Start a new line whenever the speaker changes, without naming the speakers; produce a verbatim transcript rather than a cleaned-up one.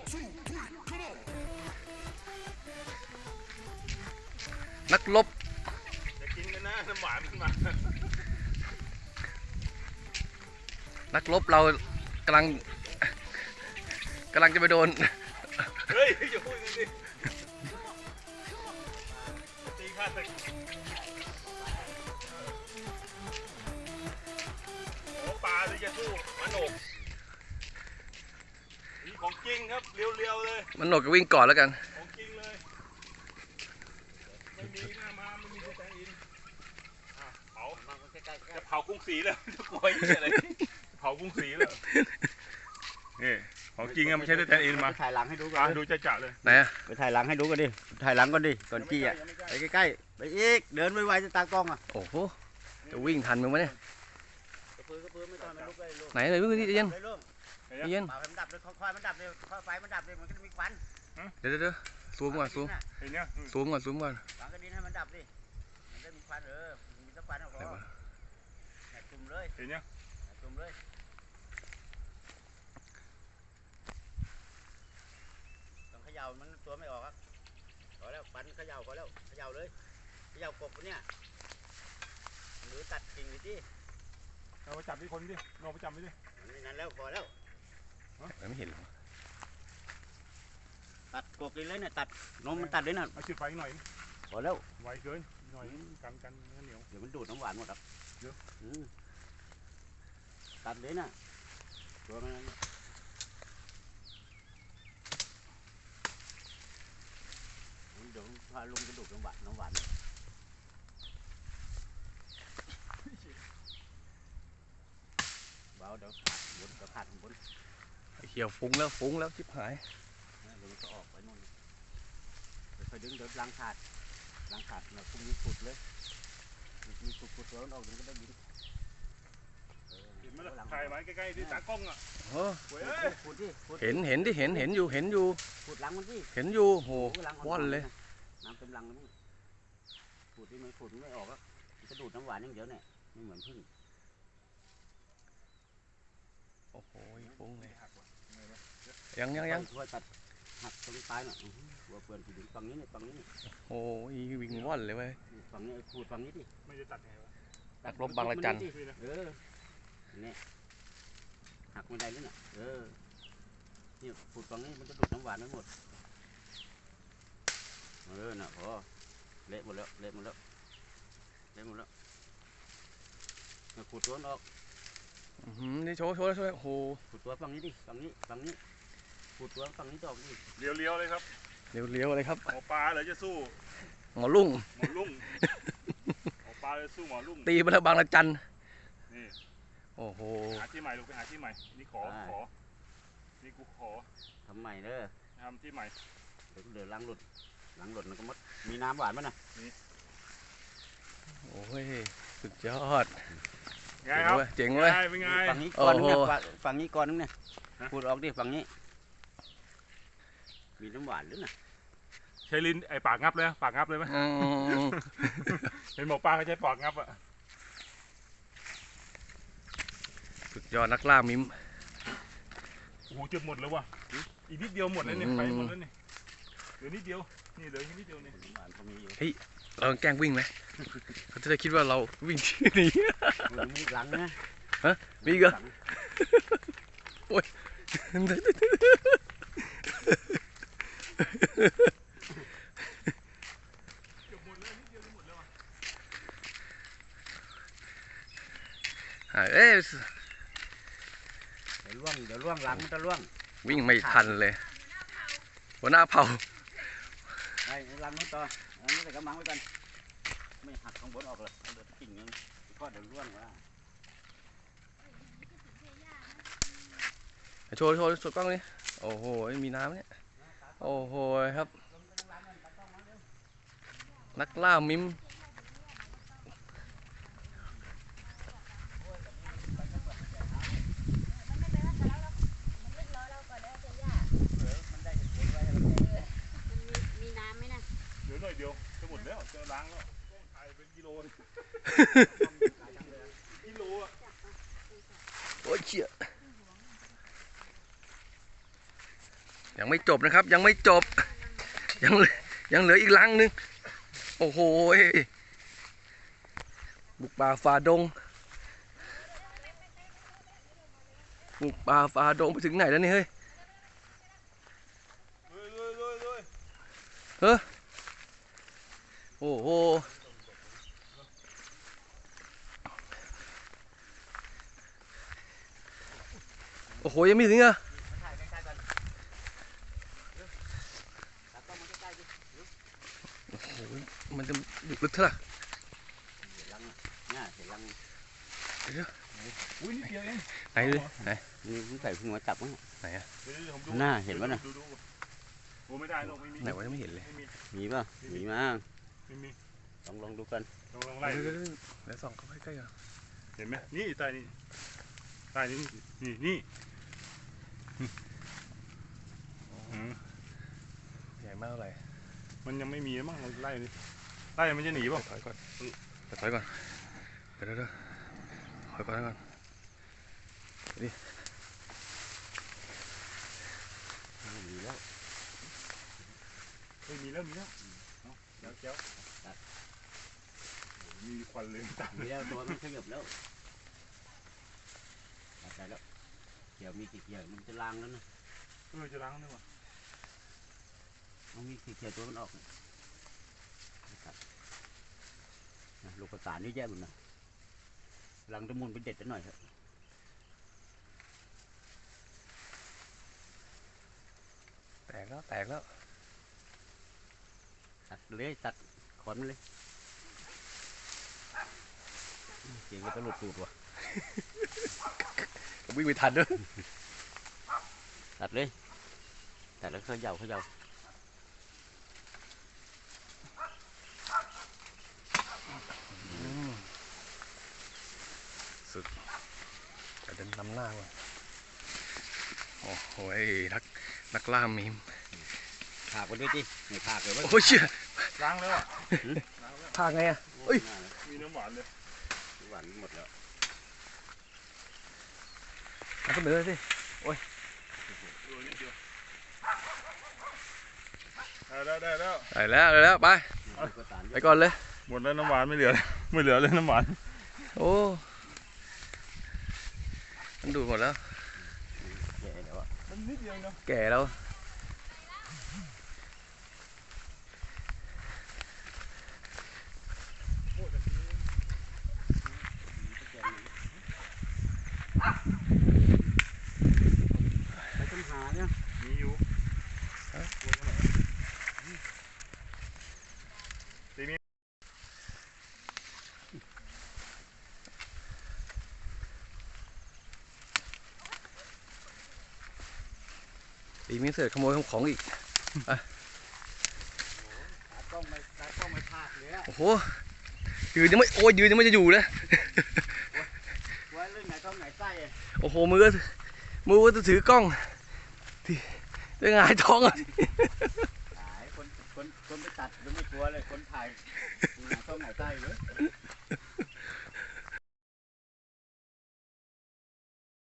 นักรบ
จะกินกันนะน้ำหวานมันมา
นักรบเรากำลังกำลังจะไปโดน
เฮ้ยอย่าพูดกันดิตีข้าศึกโอ้ปลาที่จะสู้มันโหนกนี่ของจริงครับเรียวๆเลย
มันโหนกก็วิ่งก่อนแล้วกัน
ของจริงเลยไม่มีหน้ามาไม่มีสแตนด์อินเผาจะเผากรุงศรีแล้วจะกลัวอะไรเผากรุงศรีแล้วนี่ของจริงอะไม่ใช่สแตนด์อินมา
ถ่ายหลังให้ดูก่อน
ดูจะจะเลย
ไหนอะ
ไปถ่ายหลังให้ดูกันดิถ่ายหลังก่อนดิก่อนจี้อ่ะไปใกล้ๆไปอีกเดินไวๆจะตากล้องอ่ะ
โอ้โหจะวิ่งทันมึงไหมเนี่ยไหนเลยวิ่งดิเย็นเย็น
ไฟมันดับเลยค่อยๆมันดับเลยค่อยไฟมันดับเลยมันก็จะมีควัน
เดี๋ยวเดี๋ยวซูมก่อนซูมซูมก่อนซูมก่อน
ฝังกระดิ่งให้มันดับดิมันจะมีควันเออมีตะควันออกมาจุ่มเลย
เห็นยัง
จุ่มเลยต้องเขย่ามันตัวไม่ออกครับพอแล้วปันเขย่าพอแล้วเขย่าเลยเขย่ากบเนี่ยหรือตัดกิ่งดิที่
เราไปจับที่คนดิเราไปจับไปดิ
นั่นแล้วพอแล้ว
ไม่เห็นหรอ
ตัดกบเลยเนี่ยตัดนมมันตัดเลยนะ
เอาจุดไฟหน่อย
พอแล้ว
ไวเกินหน่อยกันกันเหนียว
เดี๋ยวมันดูดน้ำหวานหมดครับ
เยอะ
ตัดเลยนะตัวมันเดี๋ยวพาลุงจะดูดน้ำหวานน้ำหวานเบาเดี๋ยวขาดบนเดี๋ยวขาดบน
เขียวฟุ้งแล้วฟุ้งแล้วชิบหาย
เดี๋ยวมันก็ออกไปนู่นเดี๋ยวค่อยดึงเดี๋ยวล้างขาดล้างขาดหน่อยพวกนี้ขุดเลยมีขุดขุดตัวมันออกเดี๋ยวก็ได้ยิน
เห็นไหมล่ะถ่ายไว้ใกล้ๆที่ตากล้องอ่ะ
เห็นเห็นที่เห็นเห็นอยู่เห็นอยู่
ขุดหลังมันที่
เห็นอยู่โหว่อนเลย
น้ำเต็มหลังแล้วขุดที่มันขุดไม่ออกอ่ะมันจะดูดน้ำหวานอย่างเดียวเนี่ยไม่เหมือนพึ่ง
โอ้โหฟุ้งเลยยังยังยัง
ช่วยตัดหักตรงปลายหน่อยหัวเปลือนถึงฝั่งนี้เนี่ยฝั่งนี้เนี่ย
โอ้ยวิ่งว่อนเลยเว้ย
ฝั่งนี้ขูดฝั่งนี้ดิ
ไม่ได้ตัดไงวะ
ตัดลบบางละจัน
เออเนี่ยหักไม่ได้เลยน่ะเออนี่ขูดฝั่งนี้มันจะดูดน้ำหวานทั้งหมดเออน่ะพอเละหมดแล้วเละหมดแล้วเละหมดแล้วขูดตัวออก
อืมนี่โชว์โชว์โชว์โอ้โห
ขูดตัวฝั่งนี้ดิฝั่งนี้ฝั่งนี้ขูดตัวฝั่งนี้ต่อดิ
เลี้ยวๆเลยครับ
เลี้ยวๆเลยครับ
หมอปลาเหรอจะสู้
หมอลุ่ง
หมอลุ่งหมอปลาจะสู้หมอลุ่ง
ตีมาแล้วบางละจัน
นี่
โอ้โห
หาที่ใหม่ลูกไปหาที่ใหม่นี่ขอขอนี่กูขอ
ทำใหม่เด้อ
ทำที่ใหม่
เดี๋ยวเดี๋ยวล้างหลุดล้างหลุดมันก็มดมีน้ำหวานมั้ยนะ
นี่
โอ้ยสุดยอด
ไงครับ
เจ๋งเว้ย
ฝั่งนี้ก่อนนึงเนี่ยฝั่งนี้ก่อนนึงเนี่ยพูดออกดิฝั่งนี้มีน้ำหวานหรือน่ะ
ใช้ลิ้นไอ้ปากงับเลยปากงับเลยไหมเห็นหมอปลาเขาใช้ปากงับอ่ะ
สุดยอดนักล่ามิม
โอ้โหจุดหมดแล้ววะอีกนิดเดียวหมดแล้วเนี่ยไปหมดแล้วเนี่ยเหลือนิดเดียวนี่เหลือนิดเดียวเนี่ย
เฮ้ยเราแกล้งวิ่งไหมเขาจะได้คิดว่าเราวิ่งที่นี่
มีหลังนะ
ฮะมีก็โอ้ยเอ๊ะ
เดี๋ยวล่วงเดี๋ยวล่วงหลังมันจะล่วง
วิ่งไม่ทันเลยหัวหน้าเผา
ไอ้หลังนู้นต่ออันนี้ใส่กระมังไว้กันไม่หักข้างบนออกเลยเดี๋ยวกิ่งนึงก็เดี๋ยวล่วงว่า
โชว์โชว์สดกล้องนี่โอ้โหมีน้ำเนี่ยโอ้โหครับนักล่ามิม
หน่อยเดียวจะหมดแล้วจะล้างแล้วถ่ายเป็นกิโลกิโลอ่ะ
โอ้ยเชี่ยยังไม่จบนะครับ ยังไม่จบ ยังเหลือยังเหลืออีกลังนึงโอ้โหบุกป่าฝ่าดงบุกป่าฝ่าดงไปถึงไหนแล้วนี่เฮ้ย
ลุยลุยลุยลุย
เฮ้อโอ้โหโอ้โหยังไม่ถึงอ่ะ
ถ่ายใกล้ๆกันตัดกล้องมาใกล้ๆดิ
โอ้โหมันจะอยู่ลึกเท่าไหร่
เห็นรังเนี่ยเห็นรัง
อุ้ยนี่เดียวเอง
ไหนดูไหน
นี่ผมใส่หัวจับมั้ง
ไหนอะ
เดี๋ยวผมดู
หน้าเห็นปะน่ะ
ดูดูโอ้ไม่ได้หรอกไม่มี
ไหนวะยังไม่เห็นเลย
ไม่มี
มีป่ะมีมา
ไม่มี
ลองลองดูกัน
ลองลองไล่
เดี๋
ดู
ยวๆๆแล้วส่องเข้าไปใกล้ๆกัน
เห็นไหมนี่ใต้นี่ใต้นี่นี่นี่อืม
ใหญ่มากเท่าไหร่
มันยังไม่มีมั้งเราไล่นี่ไล่มันจะหนีเปล่ะ
ถอยก่อนถอยก่อนเดี๋ยวเดี๋ยวถอยก่อนก่อน
มีแล้ว
เฮ้ยมีแล้วมีแล้วเอาเจ้าเจ้ามีควันเลยตัด
มีแล้วตัวมันขยับแล้วตัดใจแล้วเกี่ยวมีกี่เกี่ยวมันจะล้างแล้วนะ
เออจะล้างด้วยวะ
มันมีกี่เกี่ยวตัวมันออกนะลูกกระสานนี่แย่หมดนะลังตะมุนไปเด็ดกันหน่อยเถอะ
แตกแล้วแตกแล้ว
ตัดเลยตัดขอนมันเลยเก่งก็ตะลุดตูดว่ะ
วิ่งไปทันด้วย
ตัดเลยตัดแล้วเขย่าเขย่า
สุดจะเดินนำหน้าก่อนโอ้โหนักนักล่ามีม
ผากไปด้วยจิไม่ผากเลยว่า
โอ้ยเชี่ย
ล้างแล้วอ่ะ
พาไงอ่ะเอ้ย
มีน้ำหวานเลย
หวานหมดแล้ว
มาเสนอสิ
เออนิดเดียวได้ได้ได้แล้ว
ไปแล้วไปแล้วไป
ลูกกระสาน
ไปก่อนเลย
หมดแล้วน้ำหวานไม่เหลือเลยไม่เหลือเลยน้ำหวาน
โอ้มันดูดหมดแล้ว
แก่แล้วอ่ะ
มันนิดเดียวเนาะ
แก่แล้ว
ไปต้นหาเนี่ย
มีอยู่
ตีมีเสือขโมยของอีก
ตากล้องไม่ตากล้องไม่พลาดเลยอะ
โอ้โหยืนยังไม่โอ้ยยืนยังไม่จะอยู่เลย
ไว้เรื่องไหนต้องไหนใต้อะ
โอ้โหมือก็มือก็จะถือกล้องที่จะหงายท้องอ่ะ
หายคนคนคนไปตัดยังไม่กลัวเลยคนถ่ายไหนต้องไหนใต้เลย
โ